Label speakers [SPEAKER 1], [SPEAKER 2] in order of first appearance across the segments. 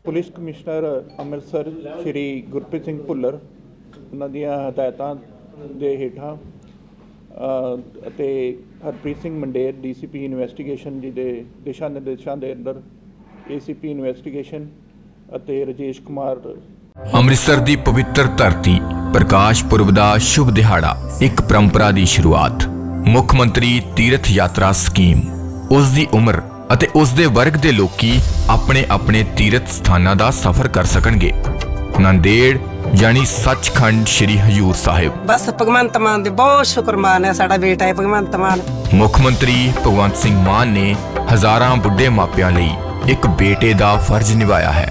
[SPEAKER 1] Police commissioner Amritsar Shri Gurpreet Singh Bhullar ਉਹਨਾਂ ਦੀਆਂ ਹਦਾਇਤਾਂ ਦੇ ਹੇਠਾਂ ਅਤੇ ਹਰਪ੍ਰੀਤ ਸਿੰਘ ਮੰਡੇਰ ਡੀਸੀਪੀ ਇਨਵੈਸਟੀਗੇਸ਼ਨ ਜੀ ਦੇ ਦਿਸ਼ਾ ਨਿਰਦੇਸ਼ਾਂ ਦੇ ਅੰਦਰ ਏਸੀਪੀ ਇਨਵੈਸਟੀਗੇਸ਼ਨ ਅਤੇ ਰਾਜੇਸ਼ ਕੁਮਾਰ
[SPEAKER 2] ਅੰਮ੍ਰਿਤਸਰ ਦੀ ਪਵਿੱਤਰ ਧਰਤੀ ਪ੍ਰਕਾਸ਼ ਪੁਰਬ ਦਾ ਸ਼ੁਭ ਦਿਹਾੜਾ ਇੱਕ ਪਰੰਪਰਾ ਦੀ ਸ਼ੁਰੂਆਤ ਮੁੱਖ ਮੰਤਰੀ ਤੀਰਥ ਯਾਤਰਾ ਸਕੀਮ ਉਸ ਦੀ ਉਮਰ ਅਤੇ ਉਸ ਦੇ ਵਰਗ ਦੇ ਲੋਕੀ ਆਪਣੇ ਆਪਣੇ ਤੀਰਥ ਸਥਾਨਾਂ ਦਾ ਸਫ਼ਰ ਕਰ ਸਕਣਗੇ। ਨੰਦੇੜ यानी सचखंड श्री हजूर साहिब
[SPEAKER 3] बस भगवंत मान दे बहुत शुक्रमान है साडा बेटा है भगवंत मान।
[SPEAKER 2] मुख मंत्री भगवंत सिंह मान ने हजारां बुढ़े मापियां लई एक बेटे दा फर्ज निभाया है।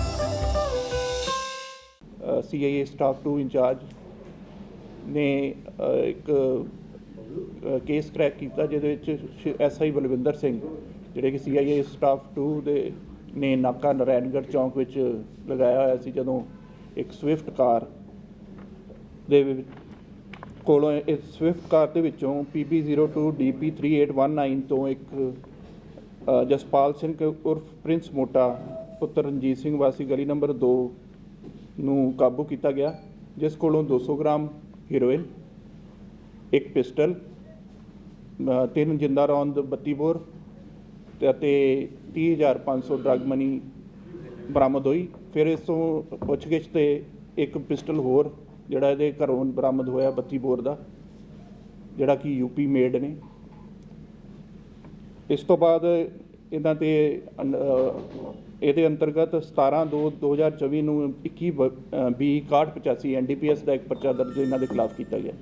[SPEAKER 1] CIA स्टाफ 2 इंचार्ज ने एक केस क्रैक किया जिहदे विच SI बलविंदर सिंह जिहड़े कि CIA स्टाफ 2 दे ने नाका नारायणगढ़ चौंक विच लगाया होया सी जदों एक स्विफ्ट कार ਦੇ ਕੋਲੋਂ ਇਸ ਸਵਿਫਟ ਕਾਰ ਦੇ ਵਿੱਚੋਂ PB02 DP 3819 ਤੋਂ ਇੱਕ ਜਸਪਾਲ ਸਿੰਘ ਉਰਫ ਪ੍ਰਿੰਸ ਮੋਟਾ ਪੁੱਤਰ ਰਣਜੀਤ ਸਿੰਘ ਵਾਸੀ ਗਲੀ ਨੰਬਰ 2 ਨੂੰ ਕਾਬੂ ਕੀਤਾ ਗਿਆ, ਜਿਸ ਕੋਲੋਂ 200 ਗ੍ਰਾਮ ਹੀਰੋਇਨ, ਇੱਕ ਪਿਸਟਲ, 3 ਜਿੰਦਾ ਰੌਂਦ 32 ਬੋਰ ਅਤੇ 30,500 ਡਰੱਗ ਮਨੀ ਬਰਾਮਦ ਹੋਈ। ਫਿਰ ਇਸ ਤੋਂ ਪੁੱਛਗਿੱਛ ਤੇ ਇੱਕ ਪਿਸਟਲ ਹੋਰ ਜਿਹੜਾ ਇਹਦੇ ਘਰੋਂ ਬਰਾਮਦ ਹੋਇਆ 32 ਬੋਰ ਦਾ, ਜਿਹੜਾ ਕਿ UP ਮੇਡ ਨੇ। ਇਸ ਤੋਂ ਬਾਅਦ ਇਹਨਾਂ ਤੇ ਇਹਦੇ ਅੰਤਰਗਤ 17/2/2024 ਨੂੰ 21/B/6185 NDPS ਦਾ ਇੱਕ ਪਰਚਾ ਦਰਜ ਇਹਨਾਂ ਦੇ ਖਿਲਾਫ ਕੀਤਾ ਗਿਆ।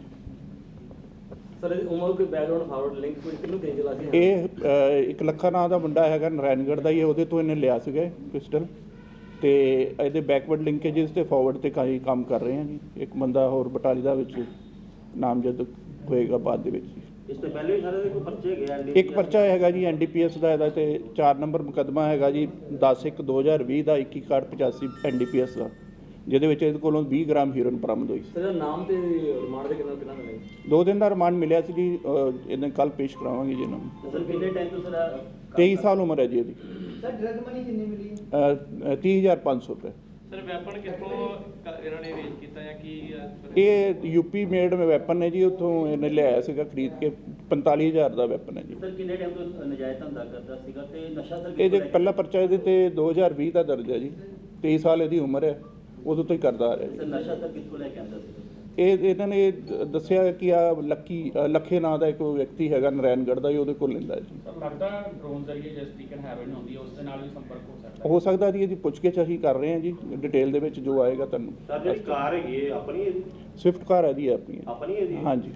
[SPEAKER 4] ਸਰ ਉਮਰ ਕੋਈ ਬੈਕਗ੍ਰਾਉਂਡ ਫਾਰਵਰਡ ਲਿੰਕ ਕੋਈ ਕਿਹਨੂੰ ਦੇ ਚਲਾ ਸੀ?
[SPEAKER 1] ਇਹ ਇੱਕ ਲੱਖਾ ਨਾਂ ਦਾ ਮੁੰਡਾ ਹੈਗਾ, ਨਾਰਾਇਣਗੜ੍ਹ ਦਾ ਹੀ, ਉਹਦੇ ਤੋਂ ਇਹਨੇ ਲਿਆ ਸੀਗਾ ਪਿਸਟਲ, ਤੇ ਇਹਦੇ ਬੈਕਵਰਡ ਲਿੰਕੇਜਸ ਤੇ ਫਾਰਵਰਡ ਤੇ ਕਈ ਕੰਮ ਕਰ ਰਹੇ ਹਾਂ ਜੀ। ਇੱਕ ਬੰਦਾ ਹੋਰ ਬਟਾਲੀ ਦਾ ਵਿੱਚ ਨਾਮਜ਼ਦ ਹੋਏਗਾ ਬਾਅਦ ਦੇ ਵਿੱਚ।
[SPEAKER 4] ਇਸ ਤੋਂ ਪਹਿਲੇ ਵੀ ਸਾਰੇ ਦੇ ਕੋਈ ਪਰਚੇ ਗਏ?
[SPEAKER 1] ਇੱਕ ਪਰਚਾ ਹੈਗਾ ਜੀ NDPS ਦਾ, ਇਹਦਾ ਤੇ 4 ਨੰਬਰ ਮੁਕੱਦਮਾ ਹੈਗਾ ਜੀ 10/1/2020 ਦਾ 21/85 NDPS ਦਾ, ਜਿਹਦੇ ਵਿੱਚ ਇਹਦੇ ਕੋਲੋਂ 20 ਗ੍ਰਾਮ ਹੀਰੋਇਨ ਬਰਾਮਦ ਹੋਈ।
[SPEAKER 4] ਸਰ ਨਾਮ ਤੇ ਰਿਮਾਂਡ ਦੇ ਕਿੰਨਾ ਮਿਲੇ? 2
[SPEAKER 1] ਦਿਨ ਦਾ ਰਿਮਾਂਡ ਮਿਲਿਆ ਸੀ ਜੀ। ਇਹਨੇ ਕੱਲ ਪੇਸ਼ ਕਰਾਵਾਂਗੇ ਜੀ ਇਹਨਾਂ ਨੂੰ।
[SPEAKER 4] ਸਰ ਕਿੰਨੇ ਟਾਈਮ ਤੋਂ ਸਰ?
[SPEAKER 1] 23 ਸਾਲ ਉਮਰ ਹੈ ਜੀ ਇਹਦੀ।
[SPEAKER 4] ਸਰ ਡਰਗ ਮਨੀ ਕਿੰਨੀ ਮਿਲੀ?
[SPEAKER 1] 30,500 ਰੁਪਏ।
[SPEAKER 5] ਸਰ ਵੈਪਨ ਕਿੱਥੋਂ ਇਹਨਾਂ ਨੇ ਵੇਚ ਕੀਤਾ ਜਾਂ ਕੀ?
[SPEAKER 1] ਇਹ UP ਮੇਡ ਵੈਪਨ ਹੈ ਜੀ, ਉੱਥੋਂ ਇਹਨੇ ਲਿਆਇਆ ਸੀਗਾ ਖਰੀਦ ਕੇ। 45,000 ਦਾ ਵੈਪਨ ਹੈ ਜੀ।
[SPEAKER 4] ਸਰ ਕਿੰਨੇ ਟਾਈਮ ਤੋਂ ਨਜਾਇਜ਼ ਧੰਦਾ ਕਰਦਾ ਸੀਗਾ ਤੇ ਨਸ਼ਾ ਸਰ?
[SPEAKER 1] ਇਹਦੇ ਪਹਿਲਾ ਪਰਚਾ ਇਹਦੇ ਤੇ 2020 ਦਾ ਦਰਜ ਹੈ ਜੀ। 23 ਸਾਲ ਇਹਦੀ ਉਮਰ ਹੈ, ਉਦੋਂ ਤੋਂ ਹੀ ਕਰਦਾ ਆ ਰਿਹਾ ਜੀ।
[SPEAKER 4] ਸਰ ਨਸ਼ਾ ਸਰ ਕਿੱਥੋਂ ਲੈ ਕੇ ਆਉਂਦਾ ਸੀ?
[SPEAKER 1] ਇਹਨਾਂ ਨੇ ਦੱਸਿਆ ਕਿ ਆ ਲੱਖੇ ਨਾਂ ਦਾ ਇੱਕ ਵਿਅਕਤੀ ਹੈਗਾ ਨਾਰਾਇਣਗੜ੍ਹ ਦਾ ਹੀ, ਉਹਦੇ ਕੋਲ ਲੈਂਦਾ ਜੀ।
[SPEAKER 5] ਲੱਗਦਾ ਡਰੋਨ ਜ਼ਰੀਏ ਜਿਸ ਤਰੀਕੇ ਨਾਲ ਹੈਰੋਇਨ ਹੁੰਦੀ ਹੈ ਉਸ ਦੇ ਨਾਲ ਵੀ ਸੰਪਰਕ
[SPEAKER 1] ਹੋ ਸਕਦਾ ਜੀ। ਇਹਦੀ ਪੁੱਛਗਿੱਛ ਅਸੀਂ ਕਰ ਰਹੇ ਹਾਂ ਜੀ, ਡਿਟੇਲ ਦੇ ਵਿੱਚ ਜੋ ਆਏਗਾ ਤੁਹਾਨੂੰ।
[SPEAKER 4] ਸਰ ਜਿਹੜੀ ਕਾਰ ਹੈਗੀ ਆਪਣੀ ਹੈ?
[SPEAKER 1] ਸਵਿਫਟ ਕਾਰ ਹੈ ਜੀ,
[SPEAKER 4] ਆਪਣੀ ਹੈ ਜੀ?
[SPEAKER 1] ਹਾਂਜੀ।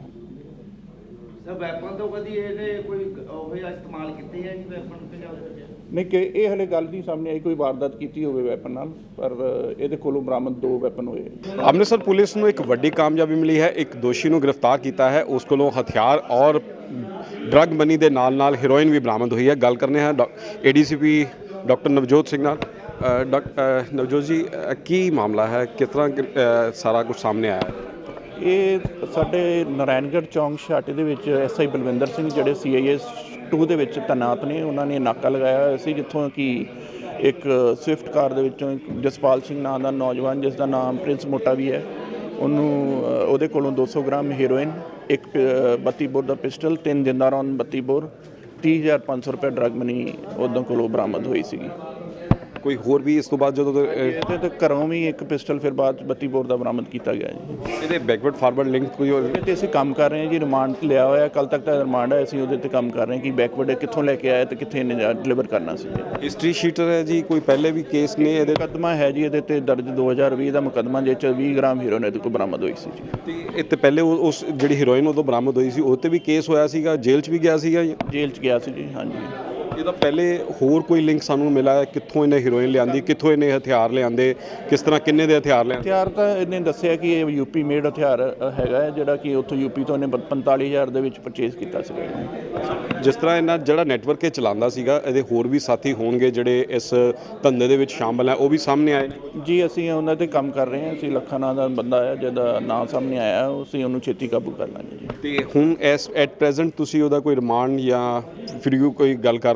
[SPEAKER 6] ਸਰ ਵੈਪਨ ਤੋਂ ਕਦੀ ਇਹਨੇ ਕੋਈ ਉਹ ਇਸਤੇਮਾਲ ਕੀਤੇ ਹੈ ਜੀ ਵੈਪਨ ਤੇ?
[SPEAKER 1] ਨਹੀਂ ਕਿ ਇਹ ਹਲੇ ਗੱਲ ਨਹੀਂ ਸਾਹਮਣੇ ਆਈ ਕੋਈ ਵਾਰਦਾਤ ਕੀਤੀ ਹੋਵੇ ਵੈਪਨ ਨਾਲ, ਪਰ ਇਹਦੇ ਕੋਲੋਂ ਬਰਾਮਦ 2 ਵੈਪਨ ਹੋਏ।
[SPEAKER 7] ਅੰਮ੍ਰਿਤਸਰ ਪੁਲਿਸ ਨੂੰ ਇੱਕ ਵੱਡੀ ਕਾਮਯਾਬੀ ਮਿਲੀ ਹੈ। ਇੱਕ ਦੋਸ਼ੀ ਨੂੰ ਗ੍ਰਿਫਤਾਰ ਕੀਤਾ ਹੈ, ਉਸ ਕੋਲੋਂ ਹਥਿਆਰ ਔਰ ਡਰੱਗ ਮਨੀ ਦੇ ਨਾਲ ਹੀਰੋਇਨ ਵੀ ਬਰਾਮਦ ਹੋਈ ਹੈ। ਗੱਲ ਕਰਨੇ ਹਾਂ ADCP ਡਾਕਟਰ ਨਵਜੋਤ ਸਿੰਘ ਨਾਲ। ਨਵਜੋਤ ਜੀ, ਕੀ ਮਾਮਲਾ ਹੈ, ਕਿਸ ਤਰ੍ਹਾਂ ਸਾਰਾ ਕੁਝ ਸਾਹਮਣੇ ਆਇਆ?
[SPEAKER 1] ਇਹ ਸਾਡੇ ਨਾਰਾਇਣਗੜ੍ਹ ਚੌਂਕ ਛਾਟੇ ਦੇ ਵਿੱਚ SI ਬਲਵਿੰਦਰ ਸਿੰਘ ਜਿਹੜੇ CIA 2 ਦੇ ਵਿੱਚ ਤੈਨਾਤ ਨੇ, ਉਹਨਾਂ ਨੇ ਨਾਕਾ ਲਗਾਇਆ ਹੋਇਆ ਸੀ, ਜਿੱਥੋਂ ਕਿ ਇੱਕ ਸਵਿਫਟ ਕਾਰ ਦੇ ਵਿੱਚੋਂ ਇੱਕ ਜਸਪਾਲ ਸਿੰਘ ਨਾਂ ਦਾ ਨੌਜਵਾਨ, ਜਿਸ ਦਾ ਨਾਮ ਪ੍ਰਿੰਸ ਮੋਟਾ ਵੀ ਹੈ, ਉਹਦੇ ਕੋਲੋਂ 200 ਗ੍ਰਾਮ ਹੀਰੋਇਨ, ਇੱਕ 32 ਬੋਰ ਦਾ ਪਿਸਟਲ, 3 ਜਿੰਦਾ ਰੌਂਦ 32 ਬੋਰ, 30,500 ਰੁਪਏ ਡਰੱਗ ਮਨੀ ਉਹਦੋਂ ਕੋਲੋਂ ਬਰਾਮਦ ਹੋਈ ਸੀਗੀ।
[SPEAKER 7] ਕੋਈ ਹੋਰ ਵੀ ਇਸ ਤੋਂ ਬਾਅਦ ਜਦੋਂ
[SPEAKER 1] ਇਹਦੇ ਤੇ ਘਰੋਂ ਵੀ ਇੱਕ ਪਿਸਟਲ ਫਿਰ ਬਾਅਦ 32 ਬੋਰ ਦਾ ਬਰਾਮਦ ਕੀਤਾ ਗਿਆ ਜੀ।
[SPEAKER 7] ਇਹਦੇ ਬੈਕਵਰਡ ਫਾਰਵਰਡ ਲਿੰਕ ਕੋਈ ਹੋਰ?
[SPEAKER 1] ਤੇ ਅਸੀਂ ਕੰਮ ਕਰ ਰਹੇ ਹਾਂ ਜੀ, ਰਿਮਾਂਡ ਲਿਆ ਹੋਇਆ, ਕੱਲ ਤੱਕ ਦਾ ਰਿਮਾਂਡ ਹੈ। ਅਸੀਂ ਉਹਦੇ ਤੇ ਕੰਮ ਕਰ ਰਹੇ ਹਾਂ ਕਿ ਬੈਕਵਰਡ ਕਿੱਥੋਂ ਲੈ ਕੇ ਆਇਆ ਤੇ ਕਿੱਥੇ ਡਿਲੀਵਰ ਕਰਨਾ ਸੀ।
[SPEAKER 7] ਹਿਸਟਰੀ ਸ਼ੀਟਰ ਹੈ ਜੀ, ਕੋਈ ਪਹਿਲੇ ਵੀ ਕੇਸ ਨੇ ਇਹਦੇ?
[SPEAKER 1] ਮੁਕੱਦਮਾ ਹੈ ਜੀ ਇਹਦੇ ਤੇ ਦਰਜ 2020 ਦਾ ਮੁਕੱਦਮਾ, ਜਿਸ 'ਚ 20 ਗ੍ਰਾਮ ਹੀਰੋਇਨ ਇਹਦੇ ਕੋਲ ਬਰਾਮਦ ਹੋਈ ਸੀ ਜੀ।
[SPEAKER 7] ਤੇ ਇਹ ਤੇ ਪਹਿਲੇ ਉਸ ਜਿਹੜੀ ਹੀਰੋਇਨ ਉਦੋਂ ਬਰਾਮਦ ਹੋਈ ਸੀ ਉਹ 'ਤੇ ਵੀ ਕੇਸ ਹੋਇਆ ਸੀਗਾ, ਜੇਲ੍ਹ 'ਚ ਵੀ ਗਿਆ ਸੀਗਾ?
[SPEAKER 1] ਜੇਲ੍ਹ 'ਚ ਗਿਆ ਸੀ ਜੀ, ਹਾਂਜੀ।
[SPEAKER 7] ਇਹਦਾ ਪਹਿਲੇ ਹੋਰ ਕੋਈ ਲਿੰਕ ਸਾਨੂੰ ਮਿਲਾ ਹੈ? ਕਿੱਥੋਂ ਇਹਨੇ ਹੀਰੋਇਨ ਲਿਆਂਦੀ, ਕਿੱਥੋਂ ਇਹਨੇ ਹਥਿਆਰ ਲਿਆਂਦੇ, ਕਿਸ ਤਰ੍ਹਾਂ, ਕਿੰਨੇ ਦੇ ਹਥਿਆਰ ਲਿਆਂਦੇ?
[SPEAKER 1] ਹਥਿਆਰ ਤਾਂ ਇਹਨੇ ਦੱਸਿਆ ਕਿ ਇਹ UP ਮੇਡ ਹਥਿਆਰ ਹੈਗਾ ਹੈ, ਜਿਹੜਾ ਕਿ ਉੱਥੋਂ UP ਤੋਂ ਇਹਨੇ 45,000 ਦੇ ਵਿੱਚ ਪਰਚੇਜ਼ ਕੀਤਾ ਸੀਗਾ।
[SPEAKER 7] ਜਿਸ ਤਰ੍ਹਾਂ ਇਹਨਾਂ ਜਿਹੜਾ ਨੈਟਵਰਕ ਇਹ ਚਲਾਉਂਦਾ ਸੀਗਾ, ਇਹਦੇ ਹੋਰ ਵੀ ਸਾਥੀ ਹੋਣਗੇ ਜਿਹੜੇ ਇਸ ਧੰਦੇ ਦੇ ਵਿੱਚ ਸ਼ਾਮਲ ਹੈ, ਉਹ ਵੀ ਸਾਹਮਣੇ ਆਏ
[SPEAKER 1] ਜੀ? ਅਸੀਂ ਉਹਨਾਂ 'ਤੇ ਕੰਮ ਕਰ ਰਹੇ ਹਾਂ। ਅਸੀਂ ਲੱਖਾ ਨਾਂ ਦਾ ਬੰਦਾ ਹੈ ਜਿਹਦਾ ਨਾਂ ਸਾਹਮਣੇ ਆਇਆ, ਅਸੀਂ ਉਹਨੂੰ ਛੇਤੀ ਕਾਬੂ ਕਰ ਲਾਂਗੇ ਜੀ।
[SPEAKER 7] ਤੇ ਹੁਣ ਐਟ ਪ੍ਰੈਜ਼ੈਂਟ ਤੁਸੀਂ ਉਹਦਾ ਕੋਈ ਰਿਮਾਂਡ ਜਾਂ ਫਿਰ ਕੋਈ ਗੱਲ ਕਰ ਰਹੇ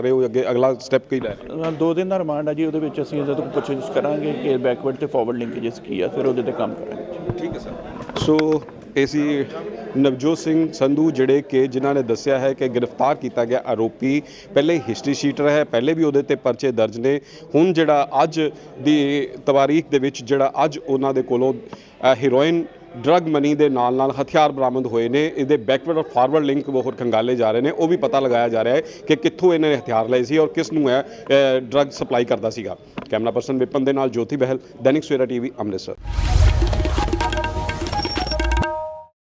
[SPEAKER 7] ਰਹੇ ਹੋ ਅੱਗੇ ਅਗਲਾ ਸਟੈਪ ਕੀ ਲੈ ਰਹੇ ਹੋ?
[SPEAKER 1] 2 ਦਿਨ ਦਾ ਰਿਮਾਂਡ ਆ ਜੀ, ਉਹਦੇ ਵਿੱਚ ਅਸੀਂ ਇਹਦੇ ਤੋਂ ਪੁੱਛਗਿੱਛ ਕਰਾਂਗੇ ਕਿ ਬੈਕਵਰਡ ਤੇ ਫਾਰਵਰਡ ਲਿੰਕੇਜਸ ਕੀ ਆ, ਫਿਰ ਉਹਦੇ ਤੇ ਕੰਮ ਕਰਾਂਗੇ।
[SPEAKER 7] ਠੀਕ ਹੈ ਸਰ। ਸੋ ਇਹ ਸੀ ਨਵਜੋਤ ਸਿੰਘ ਸੰਧੂ ਜਿਹੜੇ ਕਿ ਜਿਨ੍ਹਾਂ ਨੇ ਦੱਸਿਆ ਹੈ ਕਿ ਗ੍ਰਿਫਤਾਰ ਕੀਤਾ ਗਿਆ ਆਰੋਪੀ ਪਹਿਲੇ ਹਿਸਟਰੀ ਸ਼ੀਟਰ ਹੈ, ਪਹਿਲੇ ਵੀ ਉਹਦੇ ਤੇ ਪਰਚੇ ਦਰਜ ਨੇ। ਹੁਣ ਜਿਹੜਾ ਅੱਜ ਦੀ ਤਵਾਰੀਖ ਦੇ ਵਿੱਚ ਜਿਹੜਾ ਅੱਜ ਉਹਨਾਂ ਦੇ ਕੋਲੋਂ ਹੀਰੋਇਨ ਡਰੱਗ ਮਨੀ ਦੇ ਨਾਲ ਨਾਲ ਹਥਿਆਰ ਬਰਾਮਦ ਹੋਏ ਨੇ। ਇਹਦੇ ਬੈਕਵਰਡ ਔਰ ਫਾਰਵਰਡ ਲਿੰਕ ਉਹ ਖੰਗਾਲੇ ਜਾ ਰਹੇ ਨੇ, ਉਹ ਵੀ ਪਤਾ ਲਗਾਇਆ ਜਾ ਰਿਹਾ ਹੈ ਕਿ ਕਿੱਥੋਂ ਇਹਨਾਂ ਨੇ ਹਥਿਆਰ ਲਏ ਸੀ ਔਰ ਕਿਸ ਨੂੰ ਇਹ ਡਰੱਗ ਸਪਲਾਈ ਕਰਦਾ ਸੀਗਾ। ਕੈਮਰਾ ਪਰਸਨ ਵਿਪਨ ਦੇ ਨਾਲ ਜੋਤੀ ਬਹਿਲ, ਦੈਨਿਕ ਸਵੇਰਾ ਟੀਵੀ, ਅੰਮ੍ਰਿਤਸਰ।